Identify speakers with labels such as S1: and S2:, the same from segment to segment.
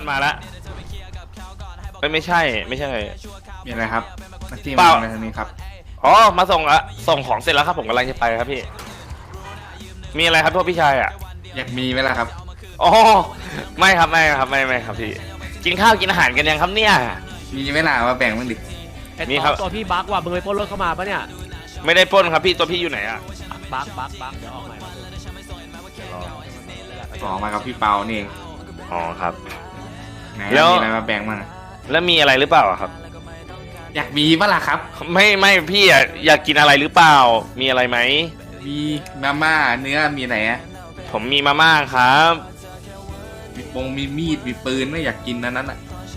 S1: มาแล้วไม่ใช่
S2: มีอะไรครับมาที่
S1: เปล่า
S2: มาทางนี้ครับ
S1: อ๋อมาส่งของเสร็จแล้วครับผมกำลังจะไปครับพี่มีอะไรครับพวกพี่ชายอ่ะ
S2: อยากมีไหมล่ะครับ
S1: อ๋อไม่ครับไม่ครับพี่กินข้าวกินอาหารกันยังครับเนี่ย
S2: มีไหมล่ะมาแบ่งบ้างดิ
S3: ไอ้
S1: นี่ครับ
S3: ตัวพี่บั๊กว่ะมึงไปปล้นรถเข้ามาปะเนี่ย
S1: ไม่ได้ปล้นครับพี่ตัวพี่อยู่ไหนอ่ะ
S3: บั๊กเดี๋ยวออกใหม่
S2: ขอมากับพี่เปานี่เอง
S1: อ๋อครับ
S2: ไหน
S1: แล้ว
S2: มีอะไรมาแบ่งบ้างอะ
S1: แล้วมีอะไรหรือเปล่าอะครับ
S2: อยากมีปะล่ะครับ
S1: ไม่พี่อะอยากกินอะไรหรือเปล่ามีอะไรไหม
S2: มีมาม่าเนื้อมีไหนอะ
S1: ผมมีมาม่าครับ
S2: มีปงมีมีดมีปืนไม่อยากกินนั้นอะ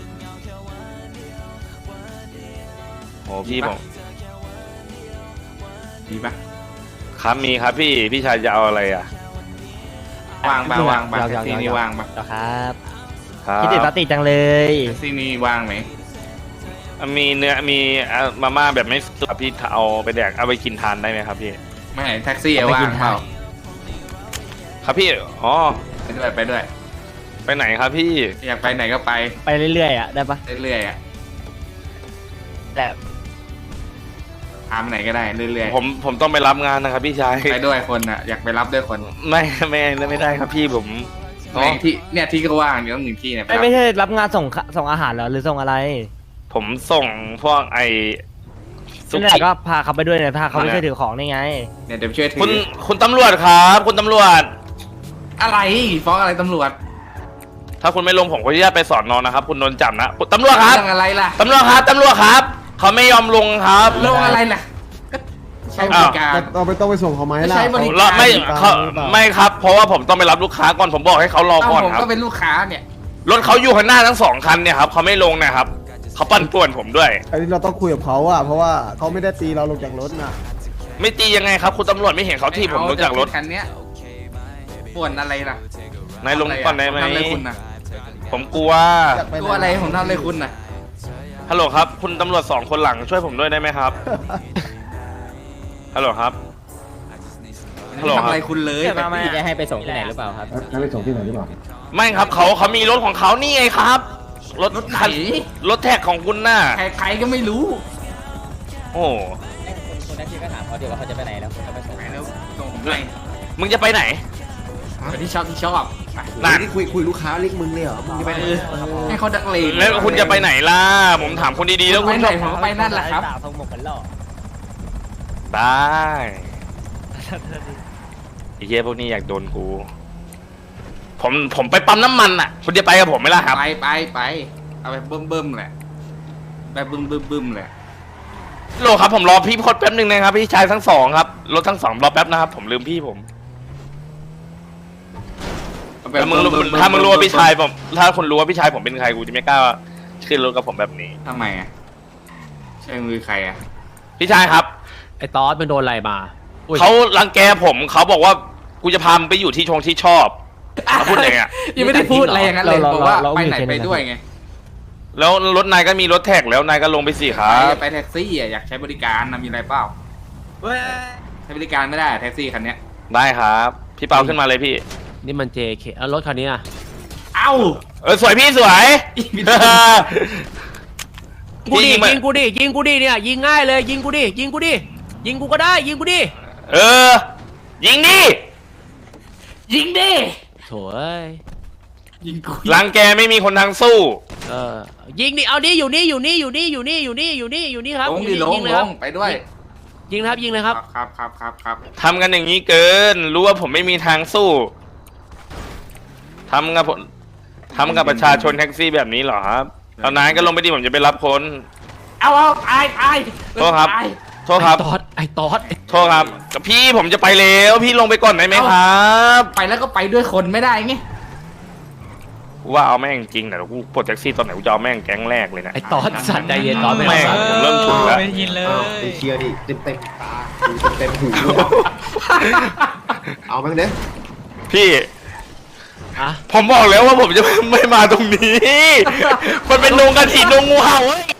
S1: โอ้พี่ผม
S2: มีปะ
S1: ครับมีครับพี่ชายจะเอาอะไรอ่ะ
S2: วางปะวางปะแท็กซี่นี่วางปะ
S4: ครับ
S1: ครับ
S4: คิดถึงปาติจังเลย
S2: แท็กซี่นี่วางไหม
S1: มีเนื้อมีมาม่าแบบไม่สุกอะพี่เอาไปแดกเอาไปกินทานได้ไหมครับพี่
S2: ไม่แท็กซี่อะว่างเปล่า
S1: ครับพี่อ๋อ
S2: ไปด้วยไปด้วย
S1: ไปไหนครับพี่
S2: อยากไปไหนก็ไป
S4: ไปเรื่อยๆอ่ะได้ปะ
S2: เรื่อยๆอะ
S4: แต่
S2: พาไปไหนก็ได้เรื่อย
S1: ผมต้องไปรับงานนะครับพี่ชาย
S2: ๆไปด้วยคนอะอยากไปรับด้วยคน
S1: ไม่ได้ครับพี่ผม
S2: ไหนที่เนี่ยที่ก็ว่างอยู่ต้องหนึ่งที่เนี่ยไปรับ
S4: ไม่ใช่รับงานส่งอาหารเหรอหรือส่งอะไร
S1: ผมส่งพวกไอสุ
S4: นั่นแห
S1: กี้
S4: ละก็พาเขาไปด้วยเนี่ยพาเขาไปช่วยถือของนี่ไง
S2: เนี่ยเดี๋ยวช่วยถื
S1: คุณตำรวจครับคุณตำรวจ
S2: อะไรฟ้องอะไรตำรวจ
S1: ถ้าคุณไม่ลงผมขออนุญาตไปสอนนอนนะครับ คุณโดนจับนะคุณตำรวจครับ
S2: เรื่องอะไรล่ะ
S1: ตำรวจครับเขาไม่ยอมลงครับ
S2: เรื่องอะไรล่ะก็ใช้บริการ
S5: เราไม่ต้องไปส่งเขาไหมล่ะ
S2: ใช้บริ
S1: เรา
S2: การ
S1: ไม่เขาไม่ครับ เพราะว่าผมต้องไปรับลูกค้าก่อนผมบอกให้เขารอ
S2: เอ้า
S1: ก่อน
S2: ผม
S1: ครับ
S2: ก็เป็นลูกค้าเนี่ย
S1: รถเขาอยู่ข้างหน้าทั้งสองคันเนี่ยครับเขาไม่ลงนะครับเขาปั่นป่วนผมด้วย
S5: อันนี้เราต้องคุยกับเขาอะเพราะว่าเขาไม่ได้ตีเราลงจากรถน่ะ
S1: ไม่ตียังไงครับคุณตำรวจไม่เห็นเขาที่ผมลงจากรถ
S2: คันเนี้ยป่วนอะไรล่ะ
S1: นายลงก่อนได้ไหม
S2: ทำอะไรคุณน่ะ
S1: ผมกลัว
S5: อยากไปหน
S2: ตัวอะไรผมทำอะไรคุณน่ะ
S1: ฮัลโหลครับ คุณตำรวจสองคนหลังช่วยผมด้วยได้ไหมครับฮัลโหลครับ ฮัลโหลครับ
S2: ทำอะไรคุณเลย
S4: พี่จะให้ไปส่งที่ไหนหรือเปล่าครับ
S5: ให้ไปส่งที่ไหนหรือเปล่า
S1: ไม่ครับเขามีรถของเขานี่ไงครับรถ
S2: รถไหน
S1: คันรถแท็กของคุณน่ะ
S2: ใครก็ไม่รู้
S1: โอ้
S4: คนนั้นพี่ก็ถามเขาเดี๋ยวว่าเขาจะไปไหนแล้วเขาจะไปส่ง
S2: ไปแล้วส่งผมไป
S1: มึงจะไปไหน
S2: ไปที่ชอบไป
S1: นั่น
S5: นี่คุยลูกค้าเรียกมึงเลยเหรอ มึงจะไปไหน
S2: ให้เขาดักเลง
S1: แล้วคุณจะไปไหนล่ะผมถามคุณดีๆแล้ว
S2: ไป
S1: คุณ
S2: ไหน
S1: ชอบ
S2: ผมก็ไปนั่นแหละครับ
S4: ทงหมกกันหล่อ
S1: ได้ไอ้เหี้ยพวกนี้อยากโดนกู ผมไปปั๊มน้ำมันอ่ะ คุณจะไปกับผมไหมล่ะครับ
S2: ไปเอาไปเบิ่มแหละไปบึ้มแหละ
S1: โลครับผมรอพี่พดแป๊บหนึ่งนะครับพี่ชายทั้งสองครับรถทั้งสองรอแป๊บนะครับผมลืมพี่ผมถ้ามึงรู้ว่าพี่ชายผมถ้าคุณรู้ว่าพี่ชายผมเป็นใครกูจะไม่กล้าขึ้นรถกับผมแบบนี้
S2: ทำไมอ่ะใช่มือใครอ่ะ
S1: พี่ชายครับ
S3: ไอ้ตอสมันโดนอะไรมาอุ้ย
S1: เขารังแกผมเขาบอกว่ากูจะพามึงไปอยู่ที่ที่ชอบเขาพูดอย่างเงี้ย
S2: ยังไม่ได้พูดอะไรอย่างนั้นเลยบอกว่าไปไหนไปด้วยไง
S1: แล้วรถนายก็มีรถแท็กแล้วนายก็ลงไปสิครับ
S2: ไปแท็กซี่อ่ะอยากใช้บริการนะมีอะไรเปล่าใช้บริการไม่ได้แท็กซี่คันเนี้ย
S1: ได้ครับพี่เปาขึ้นมาเลยพี่
S3: นี่มัน JK เอารถคันนี้อ่ะ
S2: เอ้า
S1: สวยพี่สวย
S3: กูดิ
S1: ยิงมา
S3: ยิงกูดิเนี่ยยิงง่ายเลยยิงกูดิยิงกูก็ได้ยิงกูดิ
S1: เออยิงดิ
S2: ยิงดิ
S3: โถ่เอ้ย
S2: ยิงกู
S1: รังแกไม่มีคนทางสู้
S3: ยิงดิเอาดิอยู่นี่ครับ
S2: ลงดิ
S3: อยู่นี่
S2: ล
S3: ยิ
S2: ง
S3: เลย
S2: ล
S3: ครับ
S2: งไปด้วย
S3: ยิงเลยครับ
S2: ครับ
S1: ทำกันอย่างนี้เกิน รู้ว่าผมไม่มีทางสู้ทำกับประชาชนแท็กซี่แบบนี้เหรอครับเอานายก็ลงไปดิผมจะไปรับคน
S2: เอาตาย
S1: โทษครับ โทษครับ
S3: ไอ้ตอด
S1: โทษครับกับพี่ผมจะไปแล้วพี่ลงไปก่อนได้ไหมครับ
S2: ไปแล้วก็ไปด้วยคนไม่ได้ไง
S1: กูว่าเอาแม่งจริงแต่กูปลดแท็กซี่ตอนไหนกูจะเอาแม่งแก๊งแรกเลยนะ
S3: ไอ้ตอดสัตว์ใจเย็นตอดไม่
S1: แม่ง
S3: เอา
S1: ผมเริ่มฉุนแล้ว
S5: ไปเชียร์ดิเต็มตาเต็มหูเอาแม่งเด้
S1: พี่
S3: อ่ะ
S1: ผมบอกแล้วว่าผมจะไม่มาตรงนี้ มันเป็นดงกระถิ่นดงงูเห่าเว้ย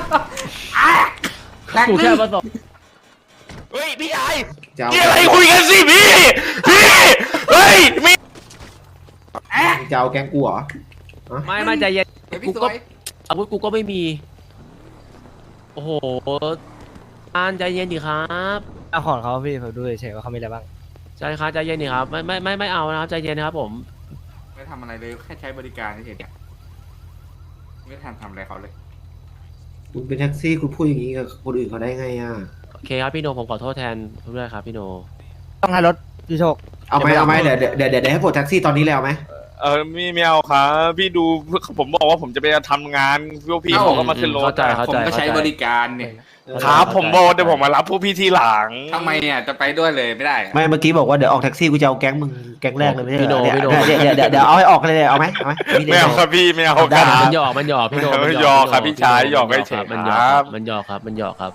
S3: กูแค่มาส่ง
S1: เฮ้ยพี่ชาย
S5: เจ้า
S1: นี่อะไรคุยกันสิพี่ เฮ้ยมี
S5: เจ้าแกงกูเหรอ
S3: ไม่ใจเย็น
S2: เฮ้ย
S3: กู
S2: พี่ส
S3: ก็
S2: วย
S3: อาวุธกูก็ไม่มี โอ้โหอ่านใจเย็นดิครับ
S4: เอาของเขาพี่ผมดูเฉยๆว่าเขามีอะไรบ้าง
S3: ใจครับใจเย็นดิครับไม่เอานะครับใจเย็นนะครับผม
S2: ไม่ทำอะไรเลยแค่ใช้บริการเฉยๆเนี่ยไม่ทันทำอะไรเขาเลย
S6: คุณเป็นแท็กซี่คุณพูดอย่างนี้กับคนอื่นเขาได้ไงอ่ะ
S3: โอเคครับพี่โนผมขอโทษแทนด้วยครับพี่โน
S4: ต้องให้รถพี่โชค
S6: เอาไหมเอาไหมเดี๋ยวให้ปลดแท็กซี่ตอนนี้เลยเอาไหม
S1: ไม่เอาครับพี่ดูผมบอกว่าผมจะไปทำงานพวกพี่เขาก็มาขึ้นรถ
S3: เข้าใจครับ
S2: ผมก็ใช้บริการเนี่ย
S1: ครับผมบอกเดี๋ยวผมมารับพวกพี่ทีหลัง
S2: ทำไมเนี่ยจะไปด้วยเลยไม่ได้อะ
S6: ไม่เมื่อกี้บอกว่าเดี๋ยวออกแท็กซี่กูจะเอาแก๊งมึงแก๊งแรกเลยไม่ใช่
S3: พี่
S6: เห
S3: โน
S6: รอ
S3: พี่โน
S6: เดี๋ยวเอาให้ออกเลยเอาไหมพี่
S1: ไม่เอาครับพี่ไม่เอาค
S6: ได้
S1: รับ
S3: มันหยอกพี่โน
S1: หยอกครับพี่ชายหยอกเฉยๆ
S3: มัน
S1: ค
S3: หย
S1: รั
S3: อบ กมันหยอกครับ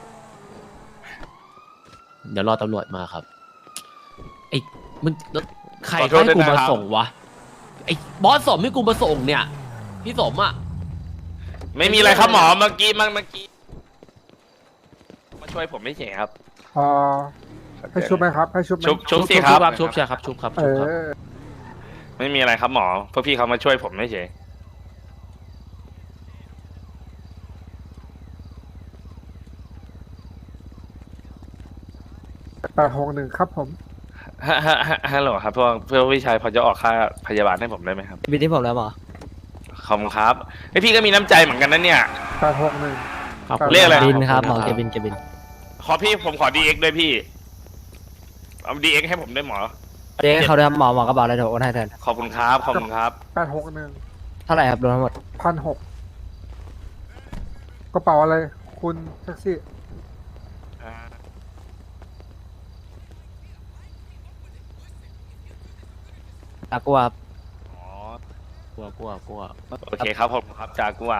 S3: เดี๋ยวรอตำรวจมาครับไอ้มันใครให้กูมาส่งวะไอ้บอสสมให้กูมาส่งเนี่ย พี่สมอ่ะ
S1: ไม่มีอะไรครับหมอเมื่อกี้มาช่วยผมไม่เฉยครับ
S7: ให้ชุบไหมครับ ให้ชุบไหม
S1: ชุบสิครับ
S3: ชุบใช่ครับชุบครับ
S7: เอ
S3: ชุบครับ
S7: อ
S1: ไม่มีอะไรครับหมอพวกพี่เขามาช่วยผมไม่เฉย
S7: 861ครับผม
S1: ฮัลโหลครับเพื่อพี่ชายพอจะออกค่าพยาบาลให้ผมได้ไหมครับ
S4: บินที่ผมแล้วหมอ
S1: ขอบคุณครับไอพี่ก็มีน้ำใจเหมือนกันนะเนี่ย
S7: 861
S3: ขอบคุณ
S1: เรียกอะไร
S4: บินครับหมอเกบิน
S1: ผมขอ DX ด้วยพี่เอา DX ให้ผมด้วยหมอ
S4: เจ๊เขาด้วยครับหมอกระเป๋าอะไรเดี๋ยวโอนให้แทน
S1: ขอบคุณครับขอบคุณครับ
S7: 861
S4: เท่าไหร่ครับรวมทั้งหมด
S7: 1,600กระเป๋าอะไร คุณแท็กซี่
S4: ตากลัวครับ
S1: อ๋อก
S3: ลัว
S1: โอเคครับผมครับจากัว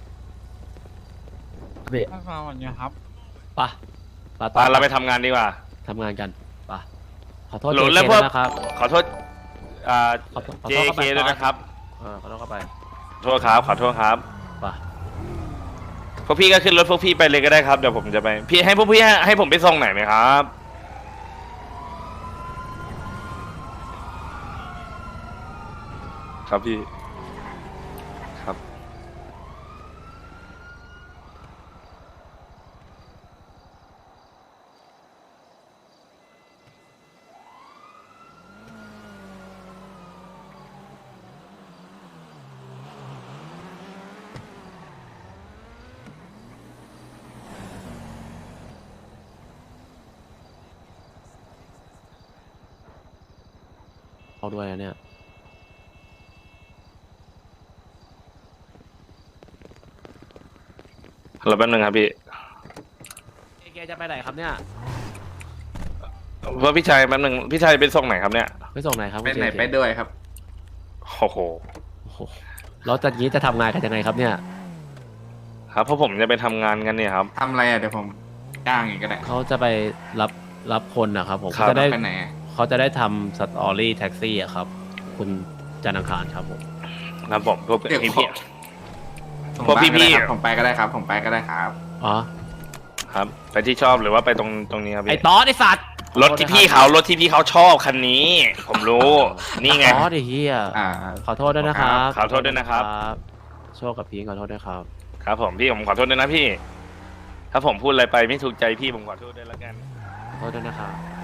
S4: พี่
S3: ปะ
S1: ไปเราไปทำงานดีกว่า
S3: ทำงานกันปะขอโทษ
S1: หลุ
S3: เจ
S1: ด
S3: เค
S1: แล้วพวก
S3: นะครับ
S1: ขอโทษ
S3: ขอโทษ
S1: JK ด้วยนะครับ
S3: ขอโทษเข้าไป
S1: โทษครับขอโทษครับ
S3: ปะ
S1: พวกพี่ก็ขึ้นรถพวกพี่ไปเลยก็ได้ครับเดี๋ยวผมจะไปพี่ให้พวกพี่ให้ผมไปส่งไหนไหมครับครับพี่ครับ
S3: เอาด้วยนะเนี่ย
S1: รอแป๊บนึงครับพี่
S3: เจจะไปไหนครับเนี่ย
S1: ว่าพี่ชายแป๊บนึงพี่ชายไปส่งไหนครับเนี่ย
S3: ไปส่งไหนครับ
S2: ไปไหน
S3: คุณ JK
S2: ไปด้วยครับ
S1: โอ้โห
S3: โอ้โหแล้วจากนี้จะทำงานกันยังไงครับเนี่ย
S1: ครับเพราะผมจะไปทำงานกันเนี่ยครับ
S2: ทำอะไรอ่ะเดี๋ยวผมจ้างเองก็ได้
S3: เขาจะไปรับคนนะครับผม
S1: ครับ
S3: เขาจะได้
S2: ไปไหนอะ
S3: เขาจะได้ทำสตอรี่แท็กซี่อะครับ คุณจันทร์อังคารครับผม
S1: ครับผมพวก
S2: เดี๋ยว
S1: พี่
S2: ขอ
S1: พี่
S2: ส่ง
S1: พวก
S2: บ้าน
S1: พี่
S2: ก็ได้
S1: ๆ
S2: ครับผมไปก็ได้ครับ ผมไปก็ได้ครับ
S3: อ๋อ
S1: ครับไปที่ชอบหรือว่าไปตรงนี้ครับ
S3: ไอ้
S1: พี่
S3: ตอสไอ้สัตว์
S1: รถที่พี่เขาชอบคันนี้ ผมรู้ นี่ไง
S3: ตอสไอ้เหี้ย
S2: อ่า
S3: ขอโทษด้วยนะครับ
S1: ขอโทษด้วยนะครับ
S3: โชคกับพีขอโทษด้วยครับ
S1: ครับผมพี่ผมขอโทษด้วยนะพี่ ถ้าผมพูดอะไรไปไม่ถูกใจพี่ผมขอโทษด้วยแล้วกัน
S3: ขอโทษด้วยนะครับ